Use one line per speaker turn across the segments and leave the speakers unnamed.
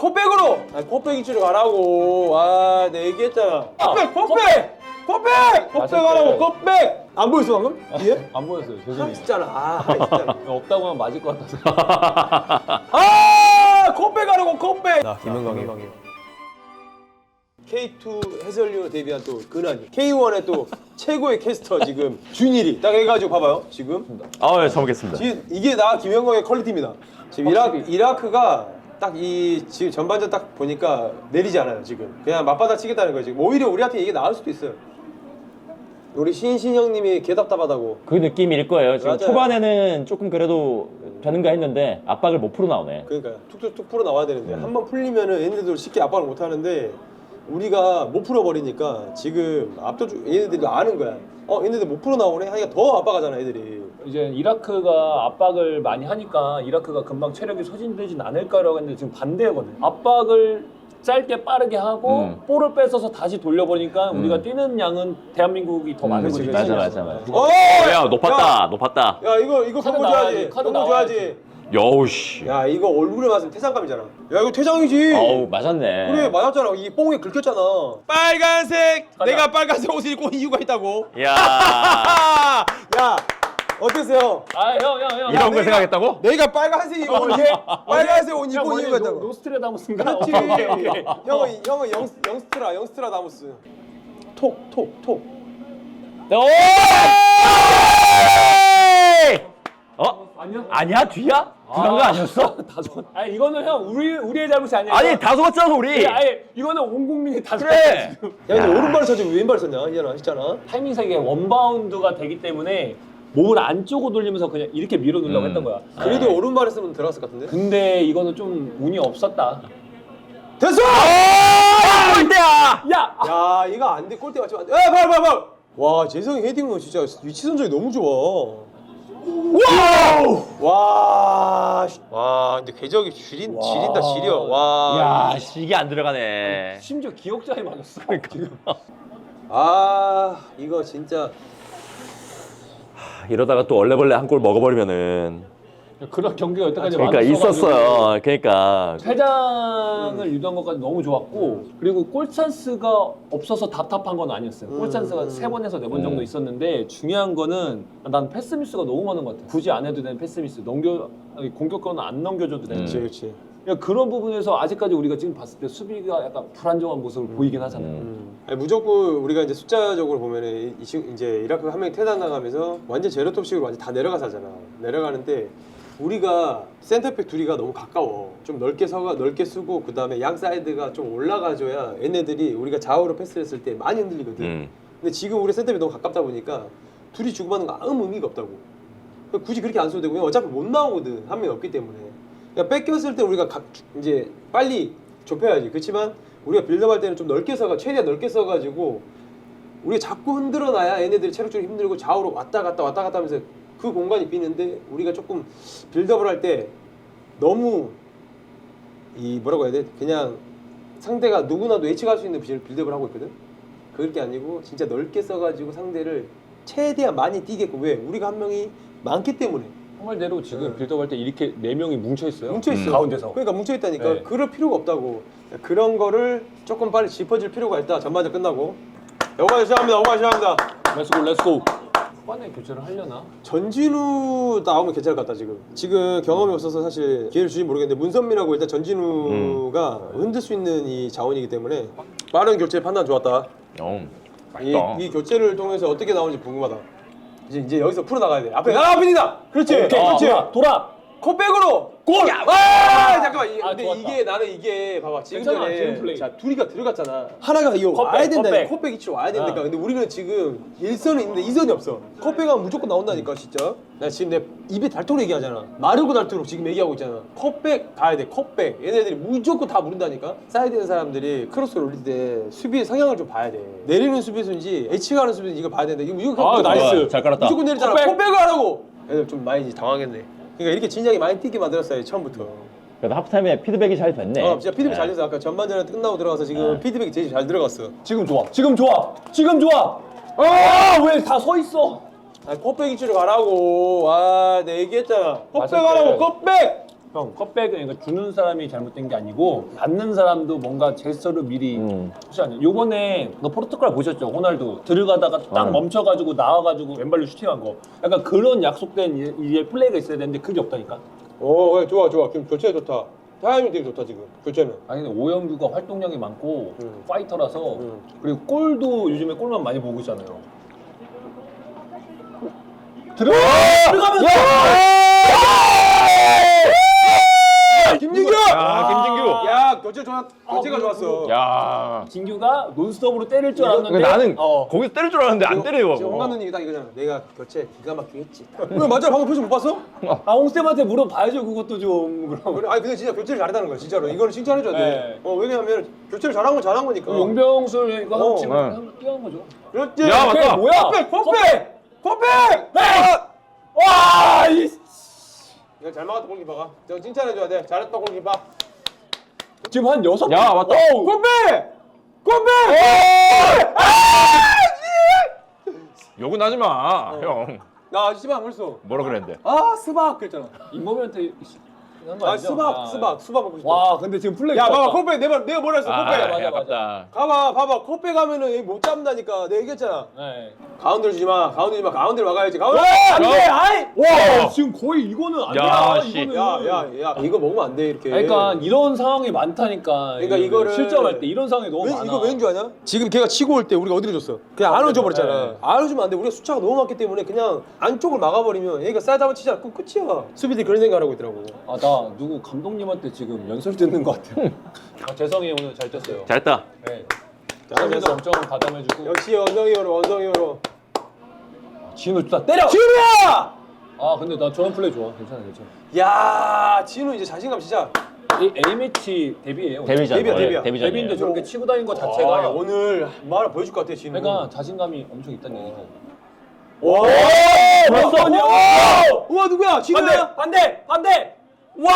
컵백으로! 아니 컵백 위치로 가라고. 아 내가 얘기했잖아. 컵백! 하라고 컵백! 안 보였어 방금? 뒤에?
안 보였어요. 죄송해요.
있잖아. 있잖아.
없다고 하면 맞을 것 같아서.
컵백 하라고 컵백! 나 김은광이 K2 해설위원 데뷔한 또 근한이 K1의 또 최고의 캐스터 지금 준일이 딱 해가지고 봐봐요 지금
아, 예, 잘 먹겠습니다.
지금 이게 나 김영광의 퀄리티입니다. 지금 이라크가 딱 이 지금 전반전 딱 보니까 내리지 않아요 지금. 그냥 맞받아 치겠다는 거예요 지금. 오히려 우리한테 이게 나을 수도 있어요. 우리 신신 형님이 개답답하다고.
그 느낌일 거예요. 지금
맞아요.
초반에는 조금 그래도 되는가 했는데 압박을 못 풀어 나오네.
그러니까 툭툭툭 풀어 나와야 되는데 한 번 풀리면은 얘네들도 쉽게 압박을 못 하는데 우리가 못 풀어버리니까 지금 압도적 얘네들도 아는 거야. 얘네들 못 풀어 나오네 하니까 더 압박하잖아 애들이.
이제 이라크가 압박을 많이 하니까 이라크가 금방 체력이 소진되진 않을까라고 했는데 지금 반대거든. 압박을 짧게 빠르게 하고 볼을 뺏어서 다시 돌려보니까 우리가 뛰는 양은 대한민국이 더 많은 거지.
맞아. 야, 높았다.
야 이거
카드
그거
나와야지,
줘야지.
카드
그거
나와야지.
줘야지.
여우씨.
야 이거 얼굴에 맞으면 퇴장감이잖아. 야 이거 퇴장이지.
어우, 맞았네.
그래 맞았잖아. 이 뽕에 긁혔잖아. 빨간색.
가자.
내가 빨간색 옷을 입고 온 이유가 있다고.
야.
야 어땠어요?
형.
이런 걸 생각했다고?
내가 빨간색 입고 온 빨간색 옷 입고 온 이유가 있다고.
노스트레다무스인가?
그렇지.
오케이.
형은 영스트라 다무스. 톡.
아니야? 뒤야? 그런 거 아니었어?
다 속았. 아니 이거는 형 우리의 잘못이 아니야.
아니, 다 속았잖아, 우리.
아예 이거는 온 국민이 다
그래.
속았어, 지금.
야 근데 오른발을 쳐지 왜 왼발 썼냐? 했잖아.
타이밍상에 원바운드가 되기 때문에 몸을 안쪽으로 돌리면서 그냥 이렇게 밀어 넣으려고 했던 거야.
그래도 오른발을 쓰면 들어갔을 것 같은데.
근데 이거는 좀 운이 없었다.
됐어!
골대야!
야!
야 이거 안 돼. 골대 맞지? 발. 와 재성이 헤딩은 진짜 위치 선정이 너무 좋아. 와 근데 궤적이 지린다 지려. 와.
야, 이게 안 들어가네.
심지어 기억자에 맞았어.
아 이거 진짜
이러다가 또 얼레벌레 한 골 먹어버리면은.
그런 경기가 여태까지
그러니까
많았어가지고
있었어요. 그러니까.
퇴장을 유도한 것까지 너무 좋았고 그리고 골 찬스가 없어서 답답한 건 아니었어요. 골 찬스가 3번에서 4번 정도 있었는데 중요한 거는 난 패스 미스가 너무 많은 것 같아. 굳이 안 해도 되는 패스 미스. 공격권은 안 넘겨줘도 되는.
그렇지.
그러니까 그런 부분에서 아직까지 우리가 지금 봤을 때 수비가 약간 불안정한 모습을 보이긴 하잖아요.
아니, 무조건 우리가 이제 숫자적으로 보면은 이제 이라크가 한 명이 퇴단당하면서 완전 제로톱식으로 완전 다 내려가서잖아. 내려가는데 우리가 센터백 둘이가 너무 가까워. 좀 넓게 쓰고 그 다음에 양 사이드가 좀 올라가줘야 얘네들이 우리가 좌우로 패스를 했을 때 많이 흔들리거든. 근데 지금 우리 센터백이 너무 가깝다 보니까 둘이 주고받는 거 아무 의미가 없다고. 그러니까 굳이 그렇게 안 써도 되고 어차피 못 나오거든. 한 명이 없기 때문에. 그러니까 뺏겼을 때 우리가 이제 빨리 좁혀야지. 그렇지만 우리가 빌드업할 때는 좀 최대한 넓게 써가지고 우리가 자꾸 흔들어 놔야 얘네들이 체력적으로 힘들고 좌우로 왔다 갔다 하면서 그 공간이 비는데 우리가 조금 빌드업을 할 때 너무 뭐라고 해야 돼? 그냥 상대가 누구나도 예측할 수 있는 빌드업을 하고 있거든. 그게 아니고 진짜 넓게 써가지고 상대를 최대한 많이 뛰게끔. 왜? 우리가 한 명이 많기 때문에.
형 말대로 지금 빌드업할 때 이렇게 4명이 뭉쳐있어요.
뭉쳐있어.
가운데서.
그러니까 뭉쳐있다니까.
네.
그럴 필요가 없다고. 그런 거를 조금 빨리 짚어줄 필요가 있다. 전반전 끝나고. 여기까지 시작합니다.
렛츠고. 후반에 교체를 하려나?
전진우 나오면 괜찮을 것 같다 지금. 지금 경험이 없어서 사실 기회를 주지 모르겠는데 문선민하고 일단 전진우가 흔들 수 있는 이 자원이기 때문에 빠른 교체 판단 좋았다. 이 교체를 통해서 어떻게 나오는지 궁금하다. 이제 여기서 풀어 나가야 돼. 앞에 빈이다. 그렇지.
오케이,
그렇지.
돌아.
컵백으로 골! 잠깐만. 근데
좋았다.
나는 이게 봐봐. 지금
괜찮아,
전에
지금 플레이.
자 둘이가 들어갔잖아. 하나가 이거
컵백,
와야 된다.
컵백.
컵백 위치로 와야 된다니까. 근데 우리는 지금 1선은 있는데 2선이 없어. 컵백하면 무조건 나온다니까 진짜. 나 지금 내 입에 닳도록 얘기하잖아. 마르고 닳도록 지금 얘기하고 있잖아. 컵백 가야 돼. 컵백. 얘네들이 무조건 다 무른다니까. 사이드에 있는 사람들이 크로스를 올릴 때 수비의 성향을 좀 봐야 돼. 내리는 수비수인지 예측하는 수비수인지 이거 봐야 되는데 이거 무조건
나이스.
잘 깔았다.
무조건 내리잖아.
컵백.
컵백을 하라고. 애들 좀 많이 당황했네. 그러니까 이렇게 진작에 많이 뛰게 만들었어요 처음부터.
그래도 하프타임에 피드백이 잘 됐네.
진짜 피드백 잘 돼서 아까 전반전에 끝나고 들어가서 지금 피드백이 제일 잘 들어갔어.
지금 좋아. 왜 다 서 있어?
컵백 위치로 가라고. 내 얘기했잖아. 컵백
맞을
하라고.
때.
컵백.
형 컵백은 그러니까 주는 사람이 잘못된 게 아니고 받는 사람도 뭔가 제스처를 미리 하지 않냐. 요번에 너 포르투갈 보셨죠? 호날두 들어가다가 딱 멈춰가지고 나와가지고 왼발로 슈팅한 거. 약간 그런 약속된 이제 플레이가 있어야 되는데 그게 없다니까.
그래, 좋아. 지금 교체 좋다. 타이밍 되게 좋다 지금. 교체는.
아니 근데 오영규가 활동량이 많고 파이터라서 그리고 골도 요즘에 골만 많이 보고 있잖아요. 들어가면
김진규!
김진규.
야, 교체가 좋았어.
야.
진규가 논스톱으로 때릴 줄 알았는데
나는 거기서 때릴 줄 알았는데 안 때려요.
지금 홍 감독님이 딱 이거잖아. 내가 교체 기가 막히게 했지. 왜 맞아? 방금 표정 못 봤어?
홍쌤한테 물어봐야죠. 그것도 좀 그럼.
그래, 아니 근데 진짜 교체를 잘했다는 거야 진짜로. 이거는 칭찬해줘야 돼.
네.
왜냐면 교체를 잘한 건 잘한 거니까.
용병술 이거
어,
지금
네.
한번 뛰어난 거죠.
그렇지.
야, 맞다.
뭐야?
컵백!
와! 이
이거 잘 막았다 골키퍼가. 저 칭찬해줘야 돼. 잘했다 골키퍼.
지금 한 6번.
야, 맞다.
컵백!
욕은 하지 마, 형.
나 씨발 안 그랬어.
뭐라 그랬는데?
아 스박 그랬잖아.
임범이한테 한거
아
아니죠?
수박 먹고 싶다.
와, 근데 지금 플레이
야
좋았다.
봐봐 컵백 내가 뭐라 했어 컵백.
맞아.
아깝다.
봐봐 컵백 하면은 얘못 잡는다니까. 내가 얘기했잖아.
네.
가운데로 주지 마. 가운데로 막아야지. 가운데.
안돼. 아이.
와.
지금 거의 이거는
야,
아니야.
씨.
이거는.
야 이거 먹으면 안 돼 이렇게.
그러니까 이런 상황이 많다니까.
그러니까 이거를-
실점할 때 이런 상황이 너무 많아.
이거 왠줄 아냐? 지금 걔가 치고 올 때 우리가 어디로 줬어? 그냥 안으로 줘버렸잖아.
네.
안으로 주면 안 돼. 우리가 숫자가 너무 많기 때문에 그냥 안쪽을 막아버리면 얘가 사이드 한번 치자. 그럼 끝이야. 수비들이 그런 생각을 하고 있더라고.
아, 나 누구 감독님한테 지금 연설 듣는 것 같아요. 아, 재성이 오늘 잘 떴어요.
잘했다.
네.
잘했어.
재성이도 엄청 가담해주고.
역시 원성이어로.
진우 진짜 때려.
진우야!
아, 근데 나 저런 플레이 좋아. 괜찮아.
야 진우 이제 자신감 진짜.
이 A 매치 데뷔예요.
데뷔전.
데뷔야.
데뷔인데 저렇게 치고 다니는 것
아,
자체가
오늘 뭐 하나 보여줄 것 같아 진우.
그러니까 자신감이 엄청 있다는 얘기죠.
와!
왔어!
우와 누구야? 진우야?
반대! 와!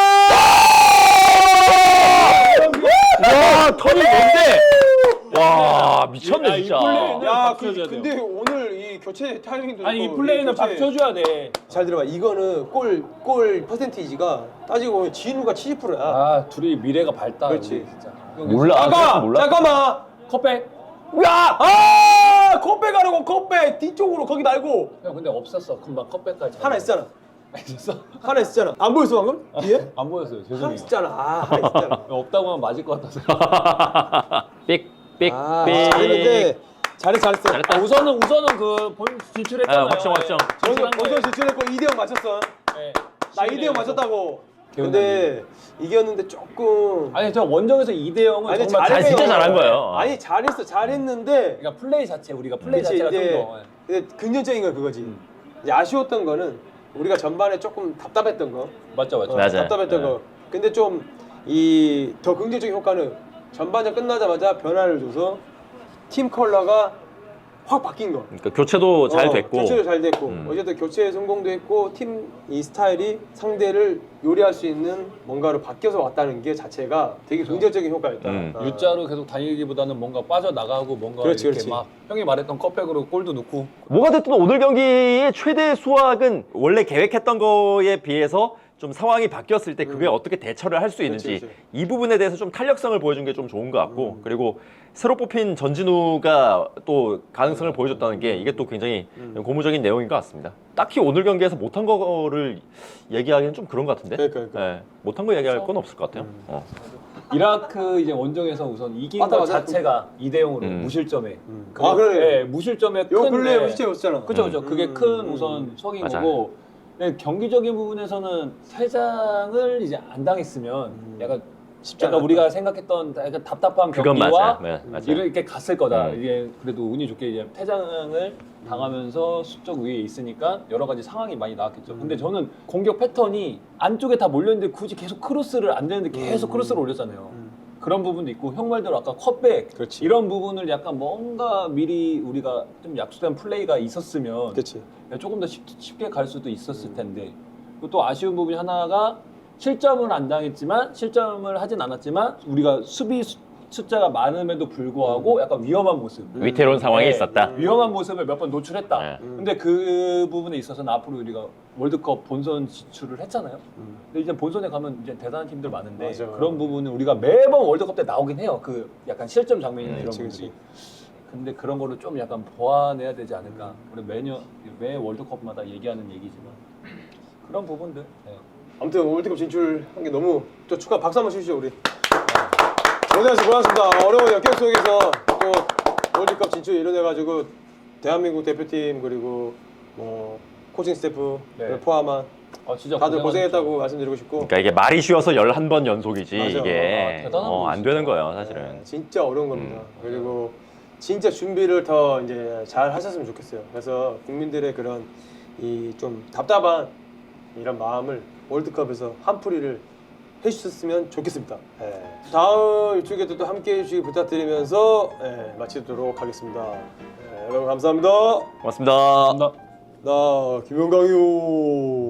와, 턴이 뭔데? 와, 미쳤네,
야, 이
진짜.
플레이는-
야,
박수 쳐줘야 돼요.
근데 오늘 이 교체 타이밍도
아니 이
좋고,
플레이는
교체-
박 쳐줘야 돼.
잘 들어봐. 이거는 골 퍼센티지가 따지고 보면 진우가 70%야.
아, 둘이 미래가 밝다.
그렇지.
우리 진짜.
몰라.
잠깐만.
컵백.
야! 컵백 하라고 컵백 뒤쪽으로 거기 말고
형 근데 없었어. 금방 컵백까지.
하나 있잖아.
있었어?
하나 있잖아. 안 보였어 방금? 뒤에?
안 보였어요.
하나
죄송해요.
있잖아. 하나 있잖아.
없다고 하면 맞을 것 같아서.
삑.
잘했는데 잘했어.
잘했다.
우선은 그 본 진출했잖아요.
아, 확정.
먼저 진출했고 2대0 맞췄어.
네.
나 2대0 맞췄다고. 근데 이겼는데 조금
아니 저 원정에서 2대0은
아니,
정말
잘 진짜 잘한 거예요.
아니 잘했는데
그러니까 플레이 자체 우리가 플레이
그치,
자체가
이제
좀 더.
근데 긍정적인 건 그거지. 이제 아쉬웠던 거는 우리가 전반에 조금 답답했던 거.
맞죠.
맞아요.
답답했던
네.
거. 근데 좀 이 더 긍정적인 효과는 전반전 끝나자마자 변화를 줘서 팀 컬러가 확 바뀐 거.
그러니까 교체도 잘 됐고.
교체도 잘 됐고
음.
어쨌든 교체 성공도 했고 팀 이 스타일이 상대를 요리할 수 있는 뭔가로 바뀌어서 왔다는 게 자체가 되게 긍정적인 효과였다.
U자로 계속 다니기보다는 뭔가 빠져나가고 뭔가
그렇지,
이렇게
그렇지.
막 형이 말했던 컵백으로 골도 넣고
뭐가 됐든 오늘 경기의 최대 수확은 원래 계획했던 거에 비해서 좀 상황이 바뀌었을 때 그게 어떻게 대처를 할 수 있는지
그렇지.
이 부분에 대해서 좀 탄력성을 보여준 게 좀 좋은 것 같고 그리고 새로 뽑힌 전진우가 또 가능성을 보여줬다는 게 이게 또 굉장히 고무적인 내용인 것 같습니다. 딱히 오늘 경기에서 못한 거를 얘기하기는 좀 그런 것 같은데
그러니까.
네, 못한 거 얘기할 건 없을 것 같아요.
이라크 이제 원정에서 우선 이긴
맞다,
것
맞아.
자체가 2대0으로 무실점에
아, 그러네.
네, 무실점에
요
큰
근래
네.
실제였잖아.
그죠. 그게 큰 우선 속인
맞아요.
거고 네, 경기적인 부분에서는 퇴장을 이제 안 당했으면 약간
않았다.
우리가 생각했던 약간 답답한
그건
경기와
맞아요. 네, 맞아요.
이렇게 갔을 거다.
음.
이게 그래도 운이 좋게 이제 퇴장을 당하면서 수적 위에 있으니까 여러 가지 상황이 많이 나왔겠죠. 근데 저는 공격 패턴이 안쪽에 다 몰렸는데 굳이 계속 크로스를 안 되는데 계속 크로스를 올렸잖아요. 그런 부분도 있고 형 말대로 아까 컵백
그렇지.
이런 부분을 약간 뭔가 미리 우리가 좀 약속된 플레이가 있었으면
그렇지.
조금 더 쉽게 갈 수도 있었을 텐데 그리고 또 아쉬운 부분이 하나가 실점을 안 당했지만 실점을 하진 않았지만 우리가 수비 숫자가 많음에도 불구하고 약간 위험한 모습.
위태로운 상황이
네,
있었다.
위험한 모습을 몇 번 노출했다.
네.
근데 그 부분에 있어서는 앞으로 우리가 월드컵 본선 진출을 했잖아요. 근데 이제 본선에 가면 이제 대단한 팀들 많은데
맞아.
그런 부분은 우리가 매번 월드컵 때 나오긴 해요. 그 약간 실점 장면이나 이런
그치,
부분들이.
그치.
근데 그런 거를 좀 약간 보완해야 되지 않을까. 우리 매 월드컵마다 얘기하는 얘기지만 그런 부분들. 네.
아무튼 월드컵 진출한 게 너무 또 축하 박수 한번 주시죠 우리. 고생하셨습니다. 어려운 역경 속에서 또 월드컵 진출 이뤄내가지고 대한민국 대표팀 그리고 뭐 코칭 스태프를
네.
포함한
진짜
다들
고생하셨죠.
고생했다고 말씀드리고 싶고
그러니까 이게 말이 쉬워서 11번 연속이지
맞아.
이게
대단한 분이시죠.
안 되는 거예요 사실은.
진짜 어려운 겁니다. 그리고 진짜 준비를 더 이제 잘 하셨으면 좋겠어요. 그래서 국민들의 그런 이 좀 답답한 이런 마음을 월드컵에서 한풀이를 해주셨으면 좋겠습니다. 예. 다음 주에도 또 함께해 주시기 부탁드리면서 마치도록 하겠습니다. 여러분 감사합니다.
고맙습니다.
감사합니다.
나 김영광이요.